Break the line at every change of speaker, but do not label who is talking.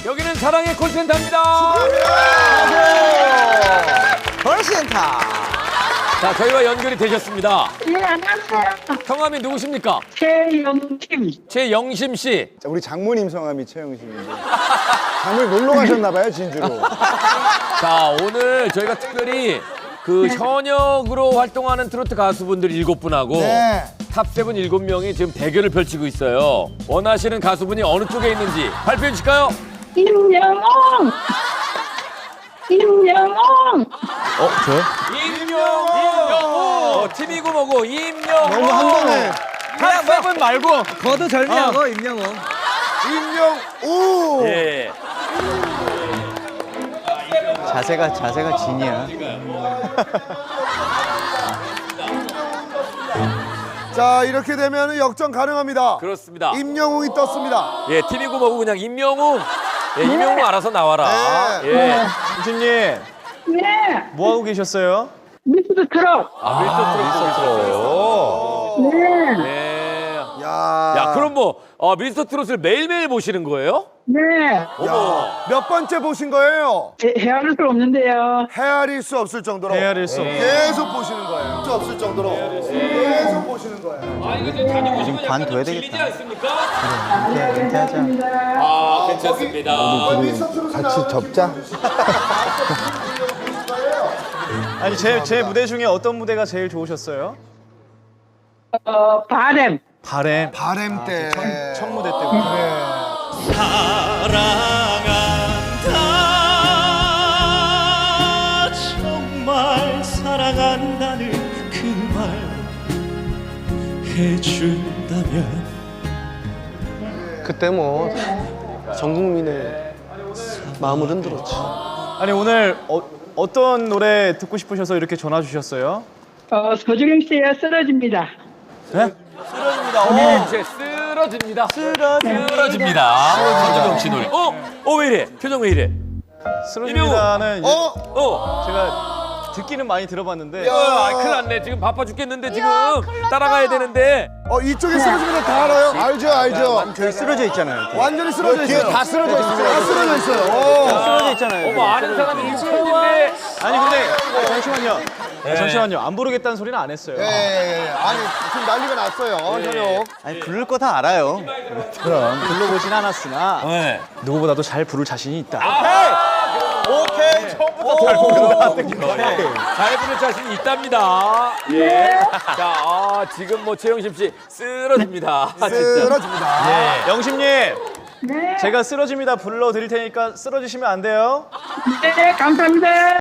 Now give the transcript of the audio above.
여기는 사랑의 콜센터입니다.
콜센터.
자, 저희와 연결이 되셨습니다.
예, 안녕하세요.
성함이 누구십니까?
최영팀.
최영심 씨.
자, 우리 장모님 성함이 최영심인데 장모님 놀러 가셨나봐요, 진주로.
자, 오늘 저희가 특별히 그 현역으로 활동하는 트로트 가수분들 7분하고
네.
탑7 7명이 지금 대결을 펼치고 있어요. 원하시는 가수분이 어느 쪽에 있는지 발표해 주실까요?
임영웅. 임영웅.
저요?
임영웅! 팀이고 뭐고 임영웅!
너무 한 번에
탑7 말고!
거도 절미하고 임영웅.
임영우.
예.
자세가 진이야.
자, 이렇게 되면 역전 가능합니다.
그렇습니다.
임영웅이 떴습니다.
예, 팀이고 뭐고 그냥 임영웅! 예, 임영웅 알아서 나와라.
네.
예.
교수님,
네.
뭐 하고 계셨어요?
미스터 트롯.
미스터 트롯.
네.
네.
야,
야, 그럼 뭐 미스터 트롯을 매일매일 보시는 거예요?
네.
어머.
몇 번째 보신 거예요?
헤아릴 수 없는데요.
헤아릴 수 없을 정도로.
헤아릴 수 없는.
계속 보시는 거예요. 수 없을 정도로. 계속 보시는 거예요.
아, 이거 좀 자주 보시면 약간
관둬야
좀 질리지
되겠다.
않습니까?
은퇴하자.
아, 괜찮습니다.
같이 접자.
아니 제 무대 중에 어떤 무대가 제일 좋으셨어요?
바램.
바램
바램 때.
첫 무대 때문에.
사랑한다 정말 사랑한다는 그 말 해준다면
그때 뭐 전 국민의 마음을 흔들었지.
아니 오늘 어떤 노래 듣고 싶으셔서 이렇게 전화 주셨어요?
서주경 씨의 쓰러집니다.
쓰러집니다. 이제 쓰러집니다. 쓰러집니다. 서주경 씨 노래. 왜 이래? 표정 왜 이래?
쓰러집니다는
어?
제가 듣기는 많이 들어봤는데
큰일 났네. 지금 바빠 죽겠는데 지금 따라가야 되는데.
이쪽에 쓰러지면 다 알아요? 알죠.
저희 쓰러져 있잖아요.
완전히 쓰러져 있어요.
다 쓰러져 있어요.
다 쓰러져 있어요.
쓰러져 있잖아요.
어머, 아는 사람이 있는데.
아니 근데 잠시만요. 잠시만요. 안 부르겠다는 소리는 안 했어요.
예. 아니, 지금 난리가 났어요. 현역.
아니 부를 거 다 알아요.
그럼 불러보진 않았으나
네.
누구보다도 잘 부를 자신이 있다.
오케이. 처음부터 잘
잘 부를 자신이 있답니다. 예. 자, 지금 뭐 최영심 씨 쓰러집니다. 진짜.
쓰러집니다.
영심님,
네.
제가 쓰러집니다 불러드릴 테니까 쓰러지시면 안 돼요.
네, 감사합니다.